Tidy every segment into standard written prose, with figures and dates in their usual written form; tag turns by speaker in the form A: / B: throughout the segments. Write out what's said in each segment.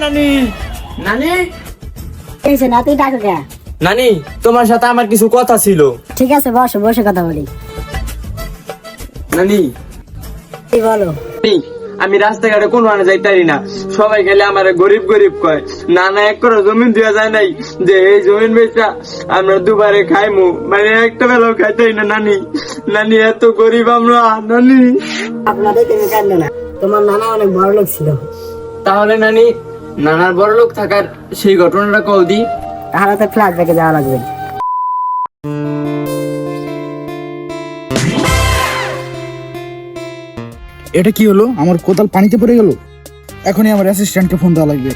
A: নানি। নানি,
B: এসে নাতি ডাকো কে?
A: নানি তোমার সাথে আমার কিছু কথা ছিল।
B: ঠিক আছে, বসো, বসে কথা বলি।
A: নানি,
B: কি বলো?
A: নানি, আমি রাস্তাঘাটে কোনো আনে যাইতারি না, সবাই গেলে আমার গরিব গরিব কয়। নানা এক করে জমিন দেওয়া যায় নাই যে এই জমিন বেচা আমরা দুবারে খাইমু, মানে একটা বেলাও খাইতাই না। নানি, নানি এত গরিব আমরা। নানি,
B: আপনাদের তুমি কাঁদো না, তোমার নানা অনেক বড় লোক ছিল।
A: তাহলে নানি নানার বড় লোক থাকার সেই ঘটনাটা কল দি।
B: তাহলে তো ফ্ল্যাট ব্যাকে যাওয়া লাগবে।
C: এটা কি হলো? আমার কোদাল পানিতে পড়ে গেল। এখনই আমার অ্যাসিস্ট্যান্টকে ফোন দেওয়া লাগবে।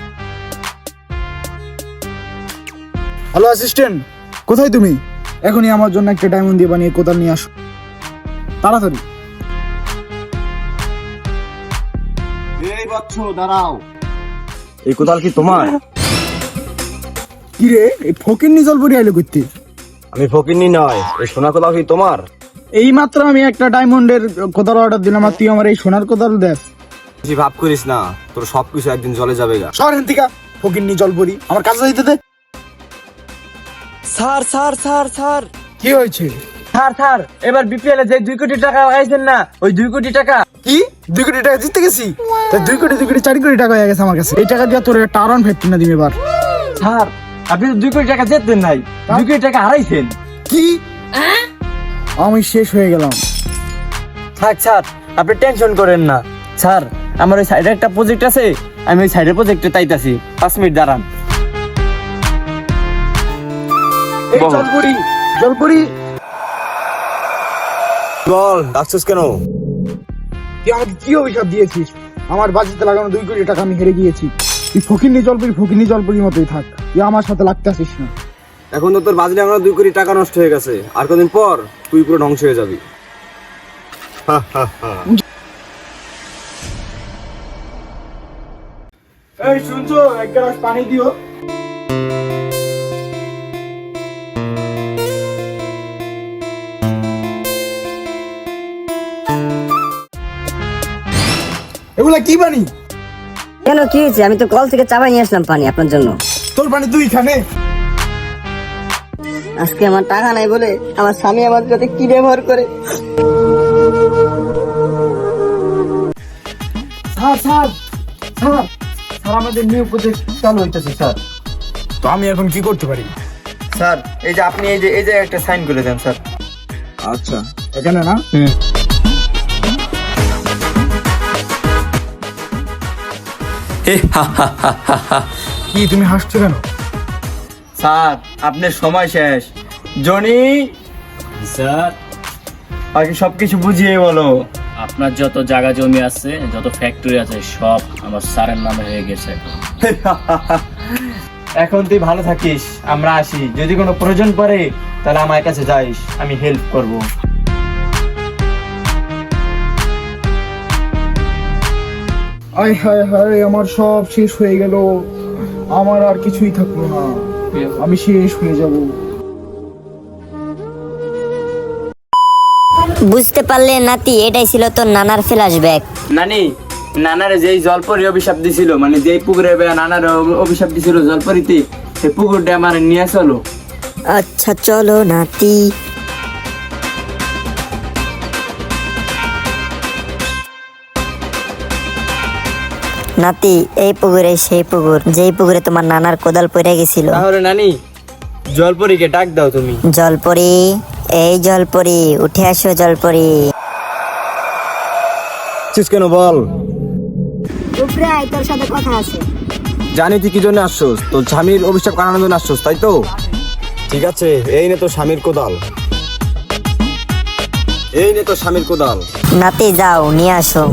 C: হ্যালো অ্যাসিস্ট্যান্ট, কোথায় তুমি? এখনই আমার জন্য একটা ডায়মন্ড দিয়ে বানিয়ে কোদাল নিয়ে আসো, তাড়াতাড়ি।
D: এই বচ্চ দাঁড়াও, এই কোদাল কি তোমার?
C: কি রে, এই ফকিন্নি জলপরি আইলো করতে?
D: আমি ফকিন্নি নয়, এই সোনা কোদাল কি তোমার?
C: এই মাত্র আমি একটা ডায়মন্ডের কোদাল অর্ডার দিলাম, আর তুই আমার এই সোনার কোদাল দেখ।
D: বেশি ভাব করিস না, তোর সবকিছু একদিন জলে যাবে গা।
C: শহরের থেকে ফকিন্নি জলপরি, আমার কাছে যাইতে দে।
A: স্যার স্যার স্যার স্যার,
C: কি হয়েছে?
A: স্যার স্যার, এবার বিপিএল এ যে 2 কোটি টাকা লাগাইছেন না, ওই 2 কোটি টাকা।
C: কি 2 কোটি টাকা জিততে গেছি? তা 2 কোটি 4 কোটি টাকা হয়ে গেছে আমার কাছে। এই টাকা দিয়ে তোর একটা আরন ফেরত না দিবে এবার।
A: স্যার, আপনি তো 2 কোটি টাকা জিততেন নাই, 2 কোটি টাকা হারাইছেন।
C: কি? আমি শেষ হয়ে গেলাম।
A: থাক স্যার, আপনি টেনশন করেন না। স্যার, আমার ওই সাইডে একটা প্রজেক্ট আছে, আমি ওই সাইডের প্রজেক্টে তাইতাছি। 5 মিনিট দাঁড়ান।
C: এই জলপরি, জলপরি,
D: বল ডাকছিস কেন?
C: তুই আমাকে কি অভিশাপ দিয়েছিস? আমার বাজিতে লাগানো 2 কোটি টাকা আমি হেরে গিয়েছি। তুই ফকিন্নি জলপরির মতোই থাক, তুই আমার সাথে লাগতে আসিস না।
D: এখন তো তোর বাজলে আমরা 2 কোটি টাকা নষ্ট হয়ে গেছে, আর কদিন পর তুই পুরো ধ্বংস হয়ে যাবি।
C: এই শুনছো, এক গ্লাস পানি দিও। এগুলা কি পানি?
B: কেন, কি হয়েছে? আমি তো কল থেকে চাপাই নিয়ে আসলাম পানি আপনার জন্য।
C: তোর পানি তুই খানে?
B: আজকে আমার টাকা নাই বলে আমার স্বামী আমার সাথে কি ব্যবহার করে।
A: স্যার স্যার স্যার, স্যার আমাদের নিউ প্রজেক্ট চালু হইতেছে স্যার।
C: তো আমি এখন কি করতে পারি?
A: স্যার, এই যে আপনি এই যে একটা সাইন করে দেন স্যার।
C: আচ্ছা, এখানে না? কি তুমি হাসছো কেন?
A: স্যার, আপনার সময় শেষ। জনি
E: স্যার,
A: আগে সবকিছু বুঝিয়ে বলো।
E: আপনার যত জায়গা জমি আছে, যত ফ্যাক্টরি আছে, সব আমার স্যারের নামে হয়ে গেছে।
A: এখন তুই ভালো থাকিস, আমরা আসি। যদি কোনো প্রয়োজন পড়ে তাহলে আমার কাছে যাইস, আমি হেল্প করব।
C: আয় হায় হায়, আমার সব শেষ হয়ে গেল। আমার আর কিছুই থাকলো না, আমি শেষ হয়ে যাব।
F: বুঝতে পারলে নাতি, এটাই ছিল তোর নানার ফ্ল্যাশব্যাক।
A: নানি, নানারে যেই জলপরি অভিশাপ দিছিল, মানে যেই পুকুরে নানার অভিশাপ দিছিল জলপরিতে, সেই পুকুরটা আমার নিয়ে চলো।
F: আচ্ছা চলো নাতি। নাতি, এই পুকুরে সেই পুকুর, যেই পুকুরে তোমার নানার কোদাল পড়ে গেছিল।
A: তাহলে নানি, জলপরিকে ডাক দাও তুমি।
F: জলপরি, এই জলপরি, উঠে আসো জলপরি।
D: কেন বল?
B: উপরে আয়, তোর সাথে কথা আছে।
D: জানি তুই কি জন্য আসছস, তোর স্বামীর অভিশাপ কাটানোর জন্য আসছস, তাই তো? ঠিক আছে, এই নে তোর স্বামীর কোদাল, এই নে তোর স্বামীর কোদাল।
F: নাতি যাও, নিয়ে আসো।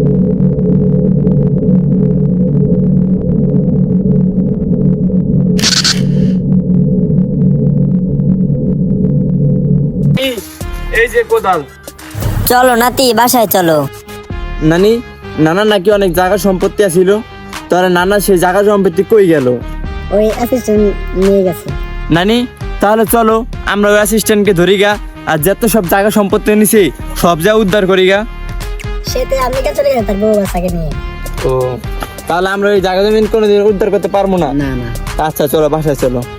A: এই যে কোদাল।
F: চলো নাতি, বাসায় চলো।
A: নানি, নানা নাকি অনেক জায়গা সম্পত্তি আছিল, তাহলে নানা সেই জায়গা সম্পত্তি কই গেল?
B: ওই অ্যাসিস্ট্যান্ট নিয়ে গেছে।
A: নানি, তাহলে চলো আমরা ওই অ্যাসিস্ট্যান্টকে ধরি গা, আর যত সব জায়গা সম্পত্তি নিছি সব যা উদ্ধার করি গা।
B: সেতে আমেরিকা চলে গেছে তার বউ বাচ্চাকে নিয়ে।
A: ও তাহলে আমরা ওই জায়গা জমিন কোনোদিন উদ্ধার করতে পারবো না।
B: না না
A: আচ্ছা চলো বাসায় চলো।